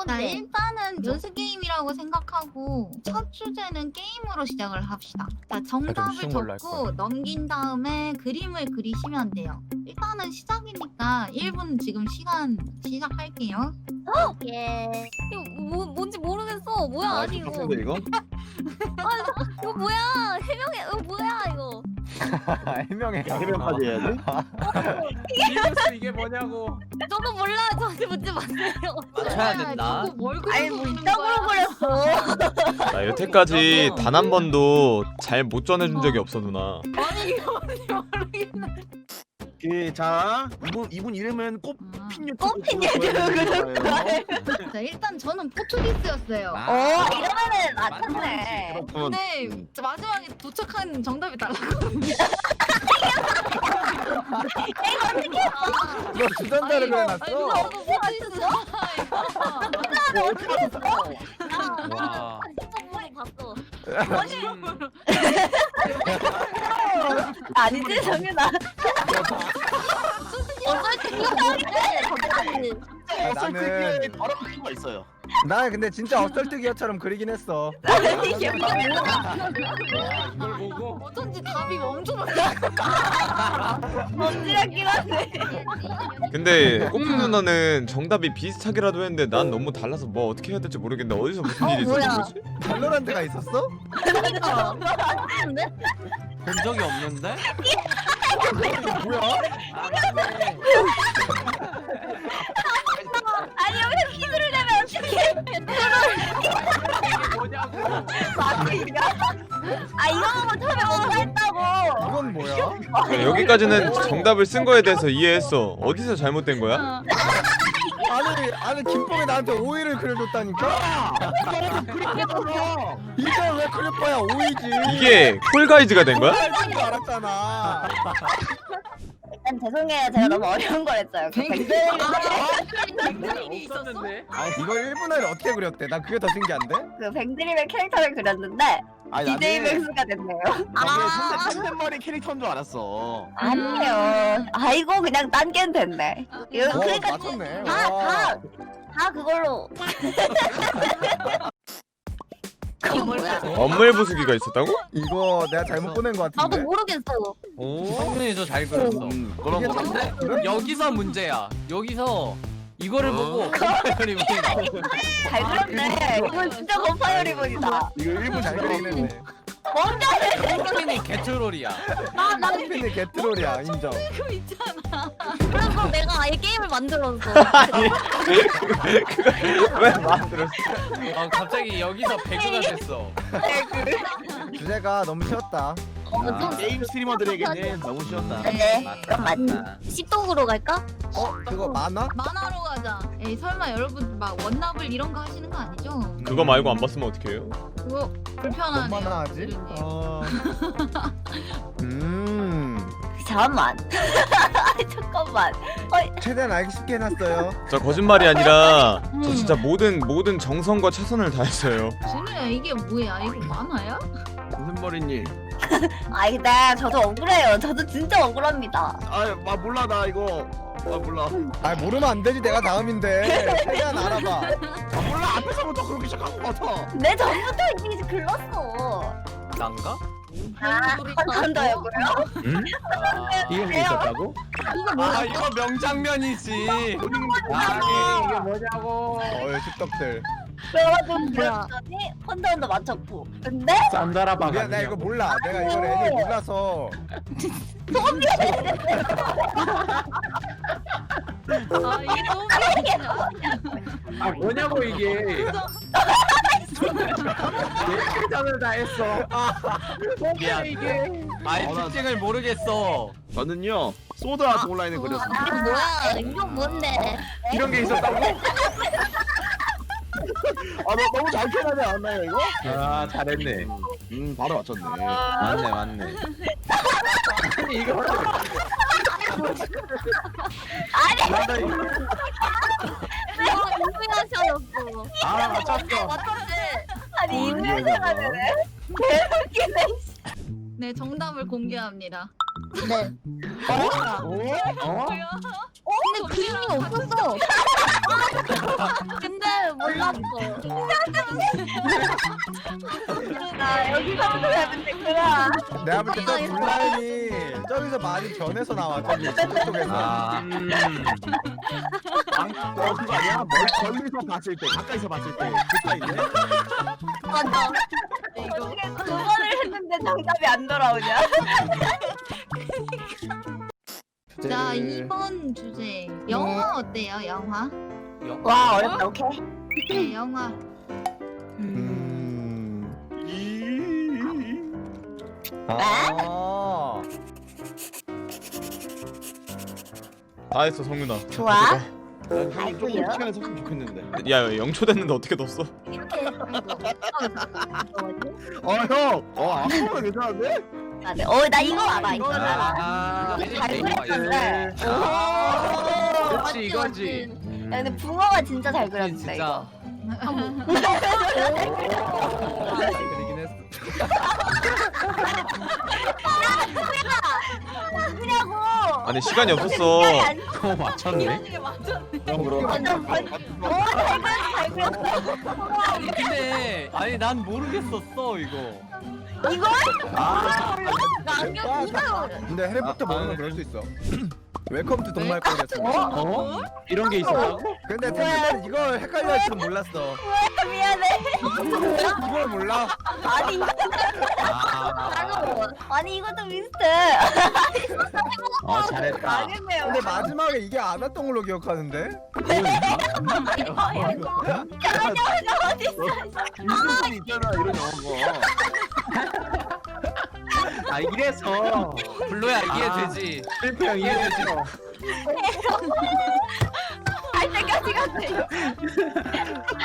자, 일단은 연습 게임이라고 생각하고 첫 주제는 게임으로 시작을 합시다. 자, 정답을 쉬운 걸로 할 적고 넘긴 다음에 그림을 그리시면 돼요. 일단은 시작이니까 1분 지금 시작할게요. 예. 이거 뭔지 모르겠어. 뭐야 아니 이거. 이거? 이거 뭐야? 해명해. 이거 뭐야 이거? 해명해. 해명까지 해야 돼? 이거스 이게 뭐냐고. 저도 몰라. 저한테 묻지 마세요. 맞춰야 된다. 누구 뭘 아니 뭐 그리고 이따구로 그렸어. 나 여태까지 단 한 번도 잘 못 전해준 적이 없어 누나. 아니 이거 뭔지 모르겠네. 자 이분 이름은 꽃핀 유튜브 꽃핀 유튜브 구독자예요. 자, 일단 저는 포르투기스였어요. 이러면은 맞췄네. 근데 마지막에 도착한 정답이 달랐거든요. 너 주전자를 그려놨어? 저도 포르투기스 와. 봤어. 음. 아니지 정윤아. 어쩔 생각하는데 나는 더러운 친구가 있어요. 나 근데 진짜 어쩔뜨기어처럼 그리긴 했어. 이게 뭐야? 이걸 보고 어쩐지 답이 엄청 뭔지라긴 한데. 근데 꼬프 누나는 정답이 비슷하기라도 했는데 난 너무 달라서 뭐 어떻게 해야 될지 모르겠는데 어디서 무슨 일이 뭐야? 있었던 거지? 발로란트가 있었어? 본 적이 없는데? 뭐야? 아, 맞네. 아니 여기서 키드를 내면 어떡해? 이게 뭐냐고. 아 이거 보고 처음에 뭔가 했다고. 이건 뭐야? 여기까지는 정답을 쓴 거에 대해서 이해했어. 어디서 잘못된 거야? 아니 김뽕이 나한테 오이를 그려줬다니까? 이걸 왜 그려봐야 오이지? 이게 콜가이즈가 된 거야? 콜가이즈인 줄 알았잖아. 일단 죄송해요. 제가 너무 어려운 걸 했어요. 뱅들이 있었어? 없었는데. 이걸 1분 안에 어떻게 그렸대? 난 그게 더 신기한데? 그 뱅드림의 캐릭터를 그렸는데 DJ 백수가 됐네요. 나중에 손대머리 캐릭터인 줄 알았어. 아니에요. 아이고 그냥 딴겐 됐네. 이거 그러니까 맞췄네. 다 그걸로. 이거 뭐야? 엄물 부수기가 있었다고? 이거 내가 잘못 보낸 거 같은데? 나도 모르겠어. 오. 성민이 저 잘 그렸어. 그런 거 이게 같은데? 여기서 문제야. 여기서 이거를 보고 컴파이어리본이 나와. 잘 그렸네. 이건 진짜 건파이어 리본이다. 이거 1분 잘 그리긴 했네. 성민이 개트롤이야. 나 핀이 개트롤이야 인정. 그거 있잖아. 그래서 내가 아예 게임을 만들었어. 왜 만들었어? 갑자기 여기서 배그가 됐어. 주제가 너무 쉬웠다. 게임 스트리머들에게는 너무 쉬웠다. 네. 맞다. 맞다. 십동으로 갈까? 그거 만화? 만화로 가자. 에이 설마 여러분 막 원나블 이런 거 하시는 거 아니죠? 그거 말고 안 봤으면 어떡해요? 그거 불편하네요. 얼마나 하지? 이름이. 잠깐만. 잠깐만. 최대한 알기 쉽게 해놨어요. 저 거짓말이 아니라 저 진짜 모든 정성과 최선을 다했어요. 진우야 이게 뭐야? 이거 만화야? 무슨 머리님? 아이 근데 저도 억울해요. 저도 진짜 억울합니다. 몰라 나 이거. 몰라. 아 모르면 안 되지 내가 다음인데. 최대한 알아봐. 몰라 앞에서부터 그렇게 시작한 거 같아. 내 전부터 이미 글렀어. 난가? 한번 더 해보요. 이런 게 있었다고? 이거 명장면이지. 이게 뭐냐고. 십덕들. 그래가지고 그랬더니 혼자 맞췄고. 근데 짠자라봐. 나 이거 몰라. 내가 이걸 애들 몰라서. 아 이게 너무 웃기냐? 뭐냐고 이게. 최선을 다했어. 뭐야 이게. 특징을 모르겠어. 저는요 소드 아트 온라인을 그렸습니다. 이게 뭐야? 이거 뭔데? 이런 게 있었다고? 너 너무 잘 표현하지 않았나요 이거? 잘했네. 바로 맞췄네. 맞네. 아니 이거 이거야셨어. 맞췄어. 맞췄지. 아니 이거야가 되네. 개웃기네. 네 정답을 공개합니다. 네. 근데 그림이 없었어. 근데 몰라. 나 여기서부터 가면 되구나. 내가 볼 때 저 블라인이 저기서 많이 변해서 나와. 저기 숲 속에서. 아 그거 아니야? 멀리서 봤을 때, 가까이서 봤을 때. 그따위네. 맞아. 어떻게 2번을 했는데 정답이 안 돌아오냐? 자 2번 주제 영화 어때요? 영화? 와 어렵다. 오케이. 네 영화. 아. 다 했어 성윤아. 좋아. 난 조금 아이고요. 시간을 썼으면 좋겠는데. 야 0초 됐는데 어떻게 넣었어? 이렇게 해서 아무거나 괜찮은데? 나 이거 알아. 이거 알아. 아, 잘 그렸는데. 그렇지 이거지. 야, 근데 붕어가 진짜 잘 그렸는데 진짜 이거. 그리긴 했어. 그냐고. 아니 시간이 없었어. 어 맞췄네. 그럼 그럼. 완전 잘 그렸어. 근데 아니 난 모르겠었어 이거. 이걸? 나 안경 진짜 근데 해리포터 모르면 그럴 수 있어. 웰컴 투 동말권이었어. 어? 이런 게 있었다고? 근데 템템은 이걸 헷갈려 할 줄은 몰랐어. 미안해. 이걸 몰라? 아니 이거 아, 아니 이것도 비슷해. 잘했다. 망했네요. 근데 마지막에 이게 안 왔던 걸로 기억하는데? 인생이 있잖아 이런 영화. 아 이래서 블루야 이해되지. 실프 형 이해되지. 알 때까지 갔네.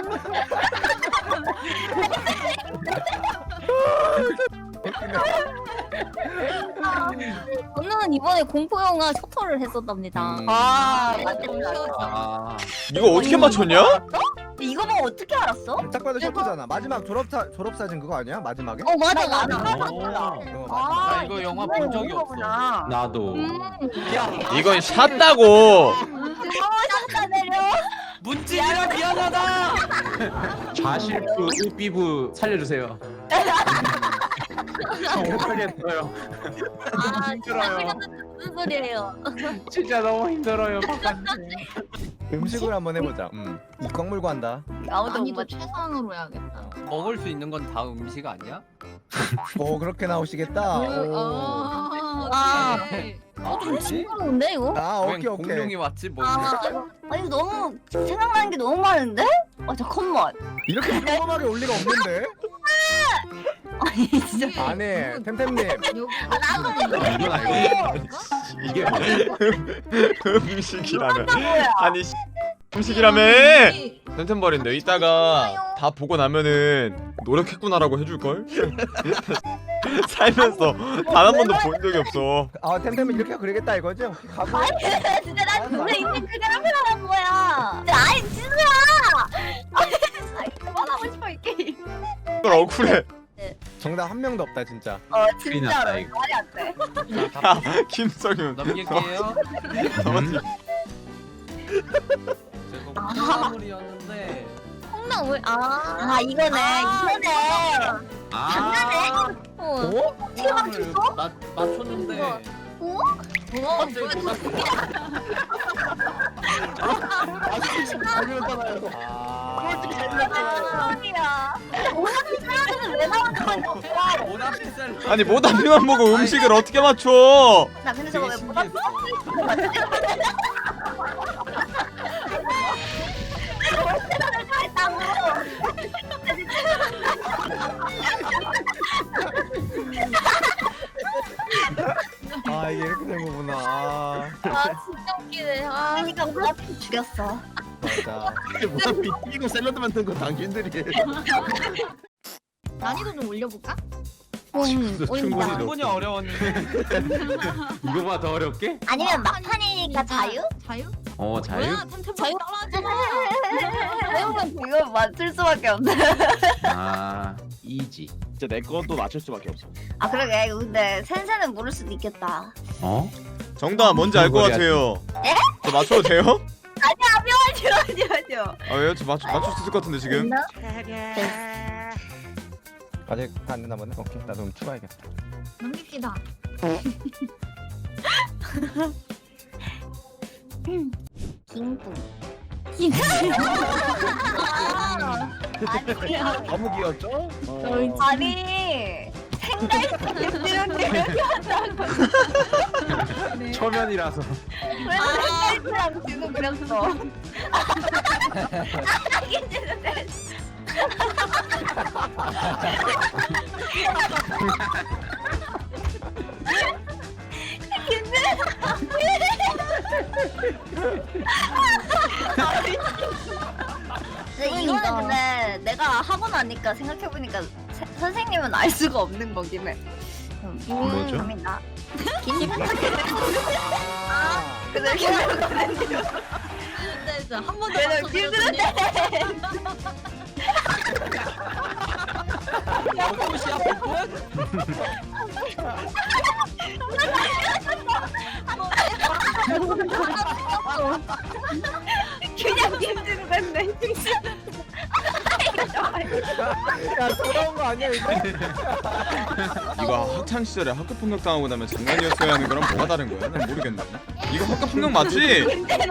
저는 이번에 공포 영화 셔터를 했었답니다. 아, 아 이거 어떻게 맞췄냐? 이거 뭐 어떻게 알았어? 딱 봐도 셔터잖아. 마지막 졸업사진 그거 아니야? 마지막에? 어 맞아 맞아. 나 이거 영화 본 적이 없어. 나도. 야 이건 샷다고. 다 내려. 문진이라 미안하다. 좌실프, 우비부 살려주세요. 못하겠어요. 아 힘들어요. 무슨 소리예요? 진짜 너무 힘들어요. 바깥에. 음식을 한번 해보자. 이광 물고 한다. 아무도 못 아니도 맞. 최상으로 해야겠다. 먹을 수 있는 건 다 음식 아니야? 오 그렇게 나오시겠다. 오. 네. 좀 징그러운데 이거? 아 웬 오케이 오케이. 공룡이 왔지 뭐. 아니 너무 생각나는 게 너무 많은데? 아 잠깐만. 이렇게 평범하게 올 리가 없는데? 아니 진짜. 아니 템템님 여기 이건 알고. 이게 음식이라면 아니 음식이라며 템템버린데 이따가 다 보고 나면은 노력했구나라고 해줄걸? 살면서 단 한 번도 본 적이 없어. 아 템템은 이렇게 그리겠다 이거지? 가고. 진짜 난 눈에 있는 그대로 표현한 거야. 아이 진우야. 아니 진짜 그만하고 싶어 이 게임. 이걸 억울해. 정답 한 명도 없다 진짜. 큰일 났다, 진짜로 이거. 말이 안 돼. 아 김성윤. 넘길게요. 제가 콩나물이었는데. 콩나물. 아 이거네. 이거네. 장난해? 어? 어떻게 맞췄어? 맞췄는데. 잘 그렸잖아요. 소리야. 오늘 사람들은 왜 나오는 건지 없어. 모나피살. 아니 모다피만 보고 음식을 어떻게 맞춰? 나 근데 저거 왜 못 봤어? 월세를 다 했다고. 아 이게 이렇게 된 거구나. 아, 아 진짜 웃기네. 그러니까 몰라 죽였어. 맞아. 뭐야 비티고 샐러드 만든 거 당신들이. 난이도 좀 올려볼까? 충분히 올린다. 충분히 어려웠는데. 이거보다 더 어렵게? 아니면 막판이니까 자유? 자유? 어 자유? 뭐야 템템 자유? 따라하잖아. 배우면 이거 맞출 수밖에 없네. 아 이지. 진짜 내 것도 맞출 수밖에 없어. 아 그러게 근데 센세는 모를 수도 있겠다. 어? 정답 뭔지 알 것 같아요. 에? 저 맞춰도 돼요? 아니요. 아 왜요? 저 맞출 수 있을 것 같은데 지금. 아직 안 되나 보네. 오케이 나도 좀 추가해야겠다. 넘깁시다. 김뿡. 너무 귀엽죠? 아니 생갈치랑 초면이라서. 왜 생갈치랑 지금 그렸어? 근데 이거는 근데 내가 하고 나니까 생각해보니까 선생님은 알 수가 없는 거긴 해. 뭐죠? 감이다. 근데 한 번도 걔는 맞춰드렸더니 벚꽃이야 벚꽃? 그냥 김지로 됐네. 야 돌아온 거 아니야 이거? 이거 학창 시절에 학교 폭력 당하고 나면 장난이었어야 하는 거랑 뭐가 다른 거야? 난 모르겠네. 이거 학교 폭력 맞지?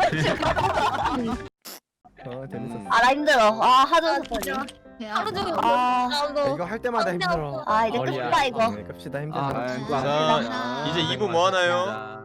재밌었어. 아 나 힘들어. 아 하도 하루 종일 아 이거 할 때마다 힘들어. 아 이제 어리야. 끝이다 이거. 네, 갑시다 힘들다. 아, 자 이제 2부 뭐 하나요?